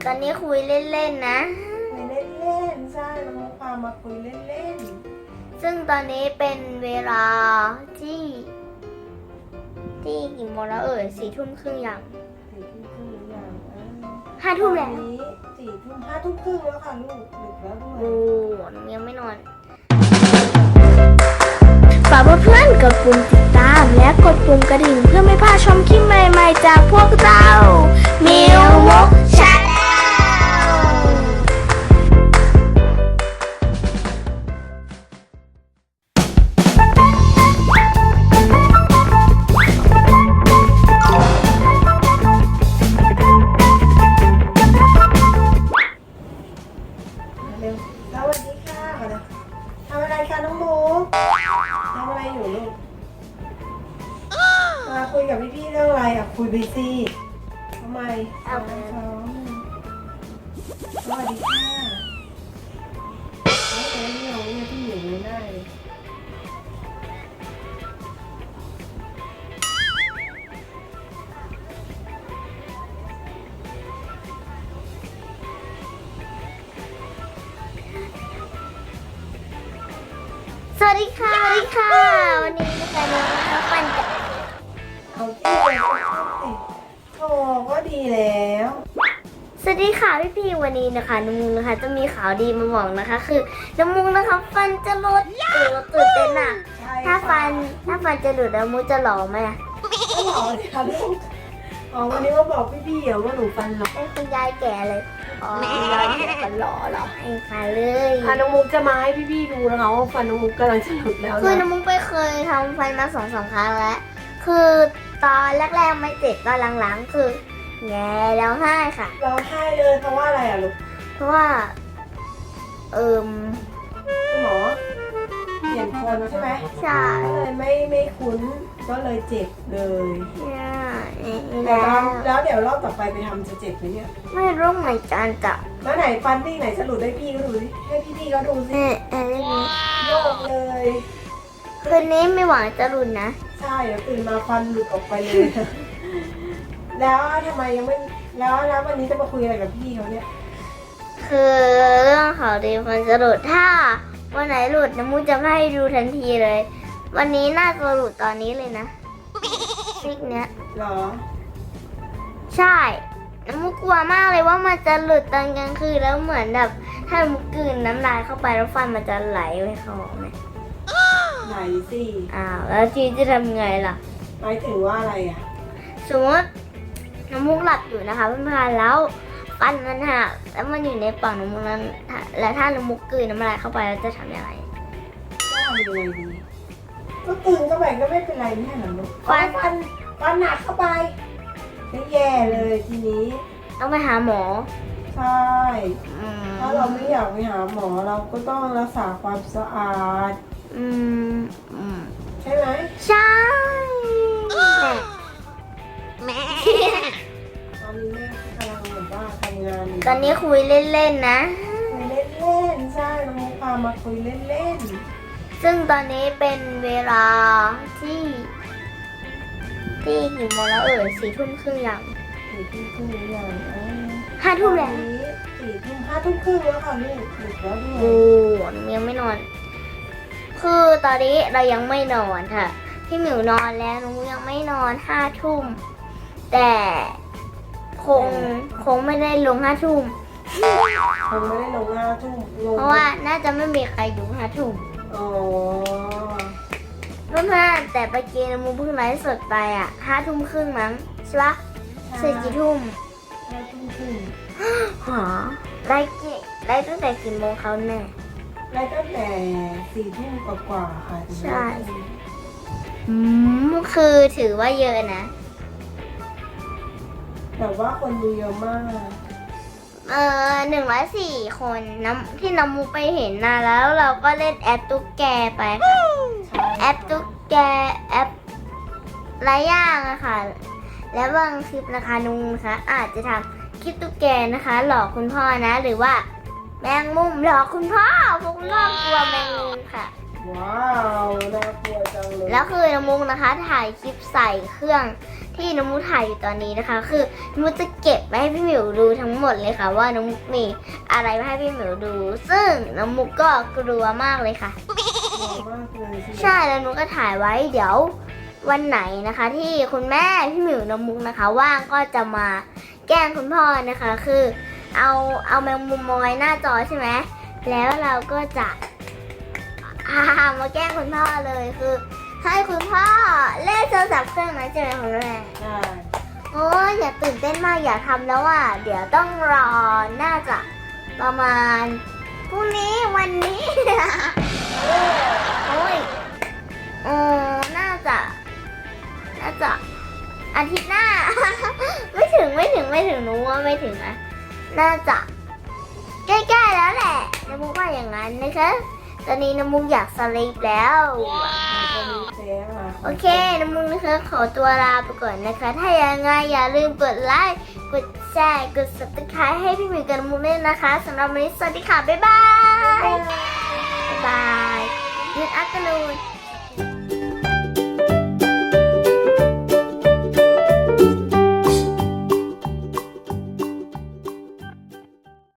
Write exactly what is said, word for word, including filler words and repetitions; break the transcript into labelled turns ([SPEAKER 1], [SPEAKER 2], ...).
[SPEAKER 1] อนนี้คุยเล่นๆนะ
[SPEAKER 2] คุยเล่นๆใช่น้องมุกพามาคุยเล่น
[SPEAKER 1] ๆซึ่งตอนนี้เป็นเวลาที่ที่กี่โมงแล้วเอ่ยสี่ทุ่มครึ่งยัง
[SPEAKER 2] ๆสี่ทุ่มครึ่งหรือยัง
[SPEAKER 1] ห้าทุ่มแล้ว
[SPEAKER 2] นี้สี่ทุ่มห้าทุ่มครึ่งแล้วค่ะลูกดึกแล้วด้วย
[SPEAKER 1] โอ้หนูยังไม่นอนฝากเพื่อนๆกดปุ่มติดตามและกดปุ่มกระดิ่งเพื่อไม่พลาดชมคลิปใหม่ๆจากพวกเรามิวมกชาแนล
[SPEAKER 2] เร็วสวัสดีค่ะมาเลยทำอะไรคะน้องมุกทำอะไรอยู่ลูกมาคุยกับพี่ๆเรื่องอะไรอ่ะคุยไปสิทำไมเอาไปซ้อมสวัสดีค่ะโอ้โหนี่เราเนี่ยพี่อยู่ไม่ได้เลย
[SPEAKER 1] สวัสดีค่ะสวัสดีค่ะวันนี้นะคะน้องนะคะปันจะ
[SPEAKER 2] เอาที่ไปสิโถก็ดีแล้ว
[SPEAKER 1] สวัสดีค่ะพี่พี่วันนี้นะคะน้องมุงนะคะจะมีข่าวดีมาบอกนะคะ คือน้องมุงนะคะฟันจะหลุดเออตื่นเต้นอะถ้าฟันถ้าฟันจะหลุดน้องมุงจะหล่อไหมอะ
[SPEAKER 2] ไม่หล่อเลยค่ะลูกอ๋อวันนี้มาบอกพี่ๆเหรอว่าหนูฟันหล่อ
[SPEAKER 1] เป็นคุณยายแก่เลยอ๋อ
[SPEAKER 2] คุณยายแก่ฟันหล่อเหรอ
[SPEAKER 1] ให้ค่ะเลย
[SPEAKER 2] อ่ะน้องมุกจะมาให้พี่ๆดูนะคะว่าฟันน้องมุกกำลังจะหลุดแล้ว
[SPEAKER 1] คือ
[SPEAKER 2] นะ
[SPEAKER 1] น้องมุงไปเคยทำฟันมาสองสามครั้งแล้วคือตอนแรกๆไม่เจ็บตอนหลังๆคือแง่แล้วไห้ค่ะ
[SPEAKER 2] ร้องไห้เลยเพราะว่าอะไรอ่ะลูก
[SPEAKER 1] เพราะว่าเอิม
[SPEAKER 2] คุณหมอเปลี่ยนคนใช่ไหม
[SPEAKER 1] ใช่
[SPEAKER 2] ก็เลยไม่ไม่คุ้นก็เลยเจ็บเลย
[SPEAKER 1] ใช่
[SPEAKER 2] แต่
[SPEAKER 1] แล้ว
[SPEAKER 2] แล้วเดี๋ยวรอบต่อไปไปทำจะเจ็บไหมเนี่ย
[SPEAKER 1] ไม่รู้เหมือนกันจ้ะ
[SPEAKER 2] แล้วไหนฟันที่ไหนจะหลุดให้พี่ก็ดูสิให้พี่ๆก็ดูสิ
[SPEAKER 1] เออเออ
[SPEAKER 2] โยกเลย
[SPEAKER 1] คืนนี้ไม่หวังจะรุนนะ
[SPEAKER 2] ใช่เดี๋ยวตื่นมาฟันหลุดออกไปเลย แล้วทำไมยังไม่แล้วแล้ววันนี้จะมาคุยอะไรกับพี่เขาเนี่ย
[SPEAKER 1] คือเรื่องข่าวดีมันจะหลุดถ้าวันไหนหลุดน้ำมูกจะให้ดูทันทีเลย วันนี้น่าจะหลุดตอนนี้เลยนะซิกเนี้ย
[SPEAKER 2] เหรอ
[SPEAKER 1] ใช่น้ำมูกกลัวมากเลยว่ามันจะหลุดตอนกลางคืนแล้วเหมือนแบบถ้าน้ำมูกกลืนน้ำลายเข้าไปแล้วฟันมันจะไหลไปเข้าออกไหม
[SPEAKER 2] ไหนสิ
[SPEAKER 1] อ้าวแล้วทีจะทำไงล่ะ
[SPEAKER 2] หมายถึงว่าอะไรอ่ะ
[SPEAKER 1] สมมติน้ำมูกหลับอยู่นะคะเพื่อนๆแล้วฟันมันหักแล้วมันอยู่ในปากน้ำมูกนั้นแล้วถ้าน้ำมูกกลืนน้ำลายเข้าไปแล้วจะทำยังไง
[SPEAKER 2] ก็ทำยังไงดีก็ตื่นเข้าไปก็ไม่เป็นไรไม่ใช่เหรอลูก
[SPEAKER 1] ฟัน
[SPEAKER 2] ฟันฟันหนักเข้าไปก็แย่เลยทีนี้
[SPEAKER 1] ต้องไปหาหมอ
[SPEAKER 2] ใช่
[SPEAKER 1] อืม
[SPEAKER 2] ถ้าเราไม่อยากไปหาหมอเราก็ต้องรักษาความสะอาด
[SPEAKER 1] อืมอืม
[SPEAKER 2] ใช่ไหม
[SPEAKER 1] ใช่แม่
[SPEAKER 2] ตอนนี้แม่กำลังแบบว่าทำงานอยู่
[SPEAKER 1] ตอนนี้คุยเล่นๆนะ
[SPEAKER 2] คุยเล่นๆใช่น้องมุกพามาคุยเล่น
[SPEAKER 1] ซึ่งตอนนี้เป็นเวลาที่ที่กี่โมงแล้วเอ่ยสี่ทุ่มครึ่งยัง
[SPEAKER 2] ๆสี่ทุ่มครึ่งหรือยังอ่า
[SPEAKER 1] ห้าทุ่มแล้ว
[SPEAKER 2] ตอนนี้สี่ทุ่มห้าทุ่มครึ่งแล้วค่ะลูกดึกแล้วด้ว
[SPEAKER 1] โอ้
[SPEAKER 2] ย
[SPEAKER 1] หนูยังไม่นอน คือตอนนี้เรายังไม่นอนค่ะพี่หมิวนอนแล้วหนูยังไม่นอนห้าทุ่มแต่คงคงไม่ได้ลงห้าทุ่ม
[SPEAKER 2] คงไม่ได้ลงห้าทุ่มลง
[SPEAKER 1] เพราะว่าน่าจะไม่มีใครดูห้าทุ่ม
[SPEAKER 2] อ๋อ
[SPEAKER 1] เพื่อนๆแต่ไปเกมมูเพิ่งไลฟ์สดไปอ่ะห้าทุ่มครึ่งมั้งใช่ปะเสร็จกี่ทุ่ม
[SPEAKER 2] ห้าทุ่มครึ่ง
[SPEAKER 1] หอไลฟ์กี่ไลฟ์ตั้งแต่กี่โมงเขาแน่
[SPEAKER 2] ไล่ตั้งแต่สี่ทุ่มกว่าๆค่ะถึง
[SPEAKER 1] ใช่ อืมคือถือว่าเยอะนะ
[SPEAKER 2] แต่ว่าคนดูเยอะมาก
[SPEAKER 1] เออหนึ่งร้อยสี่คนน้ำที่น้ำมูไปเห็นนะแล้วเราก็เล่นแอปตุ๊กแกไปค่ะ
[SPEAKER 2] ใช่
[SPEAKER 1] แอปตุ๊กแกแอปหลายอย่างอะค่ะ และบางคลิปนะคะนุงนะคะอาจจะทำคลิปตุ๊กแกนะคะ หลอกคุณพ่อนะ หรือว่าแมงมุมหลอกคุณพ่อพวกรอบกลัวแมงมุมค่ะ
[SPEAKER 2] ว้าวน่ากลัวจังเลย
[SPEAKER 1] แล้วคือน้ำมุกนะคะถ่ายคลิปใส่เครื่องที่น้องมุกถ่ายอยู่ตอนนี้นะคะ คือน้องมุกจะเก็บไว้ให้พี่หมิวดูทั้งหมดเลยค่ะ ว่าน้องมุกมีอะไรมาให้พี่หมิวดู ซึ่งน้องมุกก็กลัวมากเลยค่ะ
[SPEAKER 2] กลัวมากเลยใช่ไหม
[SPEAKER 1] ใช่แล้วนุกก็ถ่ายไว้เดี๋ยววันไหนนะคะ ที่คุณแม่พี่หมิวน้องมุกนะคะ ว่างก็จะมาแกล้งคุณพ่อนะคะ คือเอาเอาแมงมุมมาไว้หน้าจอใช่ไหมแล้วเราก็จะอามาแกล้งคุณพ่อเลยคือให้คุณพ่อเล่นโทรศัพท์เครื่องนั้นใช่ไหมคุณแม่
[SPEAKER 2] ใช่
[SPEAKER 1] โอ้ยอย่าตื่นเต้นมากอย่าทำแล้วอ่ะเดี๋ยวต้องรอน่าจะประมาณพรุ่งนี้วันนี้ โอ้ยเออน่าจะ น่าจะอาทิตย์หน้า ไม่ถึงไม่ถึงไม่ถึงหนูว่าไม่ถึงนะน่าจะ ใกล้ๆแล้วแหละน้ำมุกว่าอย่างนั้นนะคะ ตอนนี้น้ำมุกอยากสลีปแล้ว
[SPEAKER 2] มันจะมีแพ้มา
[SPEAKER 1] โอเคน้ำมุกนะคะขอตัวลาไปก่อนนะคะ ถ้ายังไงอย่าลืมกดไลค์ กดแชร์ กด ซับสไครบ์ ให้พี่หมิวกับน้ำมุกด้วยนะคะสำหรับวันนี้สวัสดีค่ะ บ๊ายบาย บ๊ายบาย Good afternoon